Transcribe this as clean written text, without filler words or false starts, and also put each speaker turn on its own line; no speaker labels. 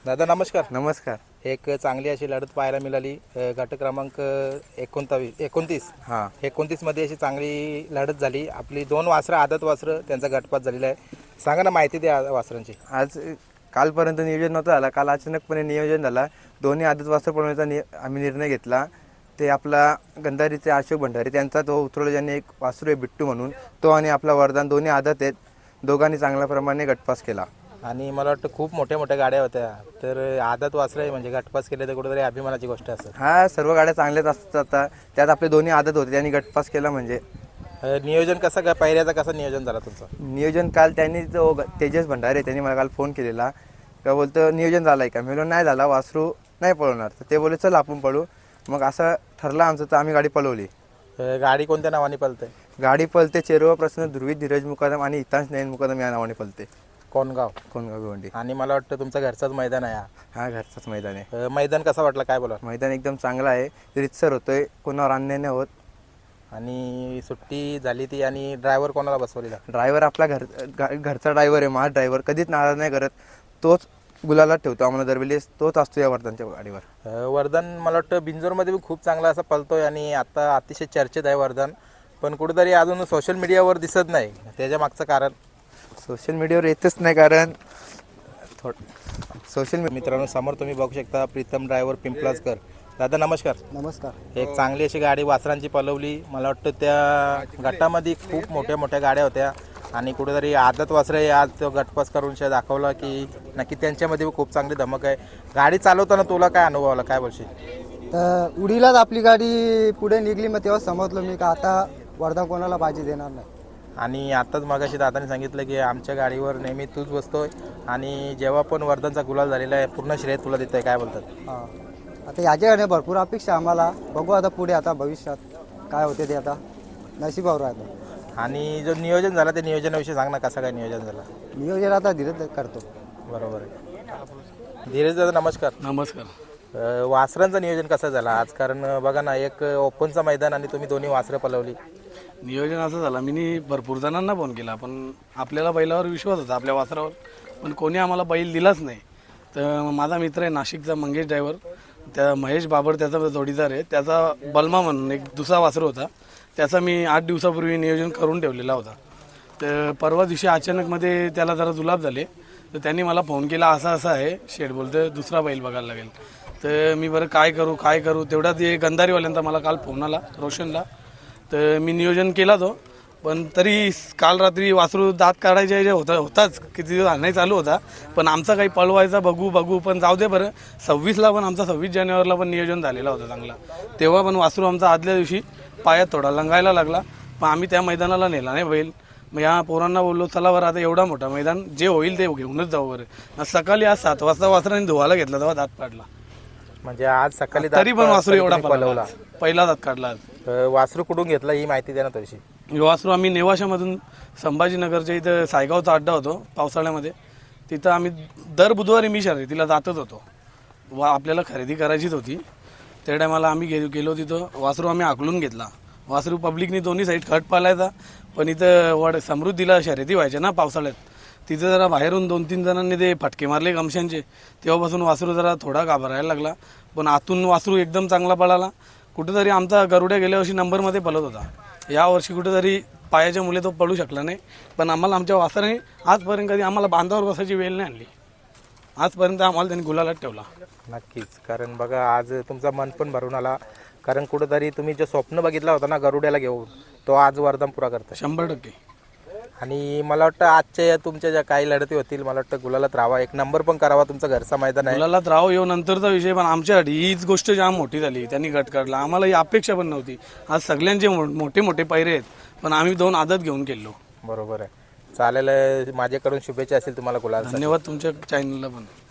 दादा नमस्कार.
नमस्कार.
एक चांगली अशी लढत पाहायला मिळाली. गट क्रमांक 29 मध्ये अशी चांगली लढत झाली. आपली 2 वासरं आदत वासरं त्यांचा गटपात झालेला आहे. सांगा ना माहिती द्या वासरांची.
आज कालपर्यंत नियोजन नव्हतं झालं, काल अचानकपणे नियोजन झालं. दोन्ही आदत वासरं पळवण्याचा आम्ही निर्णय घेतला. ते आपला गंधारीचे अशोक भंडारी त्यांचा तो उतरवला, ज्यांनी एक वासरू आहे बिट्टू म्हणून, तो आणि आपला वरदान दोन्ही आदत आहेत. दोघांनी चांगल्या प्रमाणे गटपास केला.
आणि मला वाटतं खूप मोठ्या गाड्या होत्या, तर आदत वासरं आहे म्हणजे गटपास केले तर कुठेतरी अभिमानाची गोष्ट असेल.
हा, सर्व गाड्या चांगल्याच असतात. आता त्यात आपले दोन्ही आदत होते, त्यांनी गटपास केला. म्हणजे
नियोजन कसं काय, पहिल्याचं कसं नियोजन झालं तुमचं?
नियोजन काल त्यांनी जो तेजस भंडारे त्यांनी मला काल फोन केलेला, का बोलतं नियोजन झालं आहे का? मी बोललो नाही झाला, वासरू नाही पळवणार. तर ते बोलले चल आपण पळू. मग असं ठरलं आमचं, तर आम्ही गाडी पळवली.
गाडी कोणत्या नावाने पळते?
गाडी पळते चेरुवा प्रसन्न ध्रुवी धीरज मुकादम आणि हितांश नयन मुकादम या नावाने पळते.
कोणगाव
भिवंडी.
आणि मला वाटतं तुमचं घरचंच मैदान आहे.
हा, घरचंच मैदान आहे.
मैदान कसं वाटलं, काय बोला?
मैदान एकदम चांगला आहे, रितसर होतोय, कोणावर अन्याय नाही होत.
आणि सुट्टी झाली ती, आणि ड्रायव्हर कोणाला बसवलेला?
ड्रायव्हर आपला घरचा ड्रायव्हर आहे, माझा ड्रायव्हर. कधीच नाराज नाही करत. तोच गुलाला ठेवतो आम्हाला दरवेळेस, तोच असतो या वर्धनच्या गाडीवर.
वर्धन मला वाटतं बिंजोरमध्ये पण खूप चांगला असं पळतोय आणि आता अतिशय चर्चेत आहे वर्धन, पण कुठेतरी अजून सोशल मीडियावर दिसत नाही. त्याच्या मागचं कारण?
सोशल मीडियावर येतच नाही, कारण सोशल
मित्रांनो, समोर तुम्ही बघू शकता प्रीतम ड्रायव्हर पिंपलाजकर. दादा नमस्कार.
नमस्कार.
एक चांगली अशी गाडी वासरांची पळवली. मला वाटतं त्या गटामध्ये खूप मोठ्या गाड्या होत्या आणि कुठेतरी आदत वासरे आज तो गटपास करून दाखवला की नक्की त्यांच्यामध्ये खूप चांगली धमक आहे. गाडी चालवताना तुला काय अनुभव आला, काय बोलशील?
तर उडीलाच आपली गाडी पुढे निघली, मग तेव्हा समजलो मी का आता वर्धा कोणाला बाजी देणार नाही.
आणि आत्ताच मागाशी दादाने सांगितलं की आमच्या गाडीवर नेहमी तूच बसतोय आणि जेव्हा पण वर्धनचा गुलाल झालेला आहे पूर्ण श्रेय तुला देत आहे, काय बोलतात?
हां, आता याच्याकडे भरपूर अपेक्षा आम्हाला. बघू आता पुढे, आता भविष्यात काय होते ते आता नशिबावर राहतं.
आणि जो नियोजन झाला ते नियोजनाविषयी सांग ना, कसं काय नियोजन झालं?
नियोजन आता धीरे करतो.
बरोबर आहे. धीरज दादा नमस्कार.
नमस्कार.
वासरांचं नियोजन कसं झालं आज? कारण बघा ना, एक ओपनचं मैदान आणि तुम्ही दोन्ही वासरं पळवली.
नियोजन असं झालं, मी भरपूर जणांना फोन केला, पण आपल्याला बैलावर विश्वास होता, आपल्या वासरावर, पण कोणी आम्हाला बैल दिलाच नाही. तर माझा मित्र आहे नाशिकचा मंगेश ड्रायव्हर, त्या महेश बाबर त्याचा जोडीदार आहे, त्याचा बलमा म्हणून एक दुसरा वासर होता, त्याचा मी 8 दिवसापूर्वी नियोजन करून ठेवलेला होता. तर परवा दिवशी अचानकमध्ये त्याला जरा जुलाब झाले, तर त्यांनी मला फोन केला, असं आहे शेठ बोलतं दुसरा बैल बघायला लागेल. तर मी बरं काय करू तेवढा ते गंधारीवाल्यांचा मला काल फोन आला, रोशनला. तर मी नियोजन केला तो, पण तरी काल रात्री वासरू दात काढायचे जे होताच किती दिवस नाही चालू होता, पण आमचा काही पळवायचा बघू पण जाऊ दे बरं. 26ला पण आमचा 26 जानेवारीला पण नियोजन झालेला होता चांगला, तेव्हा पण वासरू आमचा आदल्या दिवशी पायात थोडा लंगायला लागला, पण आम्ही त्या मैदानाला नेला नाही बैल. मग या पोरांना बोललो चला बरं आता एवढा मोठा मैदान, जे होईल ते घेऊनच जाऊ बरं. सकाळी आज 7 वाजता वासराने धुवायला घेतला तेव्हा दात काढला.
म्हणजे आज सकाळी
तरी पण वासरू एवढा पळवला, पहिला दात काढला.
वासरू कुठून घेतला ही माहिती द्या ना थोडीशी.
वासरू आम्ही नेवाशामधून संभाजीनगरच्या इथं सायगावचा अड्डा होतो पावसाळ्यामध्ये, तिथं आम्ही दर बुधवारी मी शर्यतीला जातच होतो. आपल्याला खरेदी करायचीच होती, त्या टायमाला आम्ही गेलो तिथं. वासरू आम्ही आकलून घेतला. वासरू पब्लिकनी दोन्ही साईड खट पालायचा, पण इथं समृद्धीला शर्यती व्हायच्या ना पावसाळ्यात, तिथं जरा बाहेरून 2-3 जणांनी ते फटके मारले गमशांचे, तेव्हापासून वासरू जरा थोडा घाबरायला लागला. पण आतून वासरू एकदम चांगला पळाला. कुठेतरी आमचा गरुड्या गेल्या वर्षी नंबरमध्ये पळत होता, यावर्षी कुठेतरी पायाच्या मुले तो पळू शकला नाही. पण आम्हाला आमच्या वासराने आजपर्यंत कधी आम्हाला बांधावर बसायची वेळ नाही आणली. आजपर्यंत आम्हाला त्यांनी गुलालात ठेवला.
नक्कीच, कारण बघा आज तुमचा मन पण भरून आला, कारण कुठेतरी तुम्ही जे स्वप्न बघितला होता ना गरुड्याला घेऊन, तो आज वरदान पुरा करता
100%.
आणि मला वाटतं आजच्या तुमच्या ज्या काही लढती होतील, मला वाटतं गुलालात राहावा, एक नंबर पण करावा. तुमचा घरचा मैदान आहे,
गुलालात राहावं येऊ नंतरचा विषय, पण आमच्यासाठी हीच गोष्ट जाम मोठी झाली. त्यांनी गट काढला, आम्हाला ही अपेक्षा पण नव्हती. आज सगळ्यांचे मोठे पैरे आहेत, पण आम्ही 2 आदत घेऊन गेलो.
बरोबर आहे. चालेल, माझ्याकडून शुभेच्छा असेल तुम्हाला गुलाल.
धन्यवाद तुमच्या चॅनलला पण.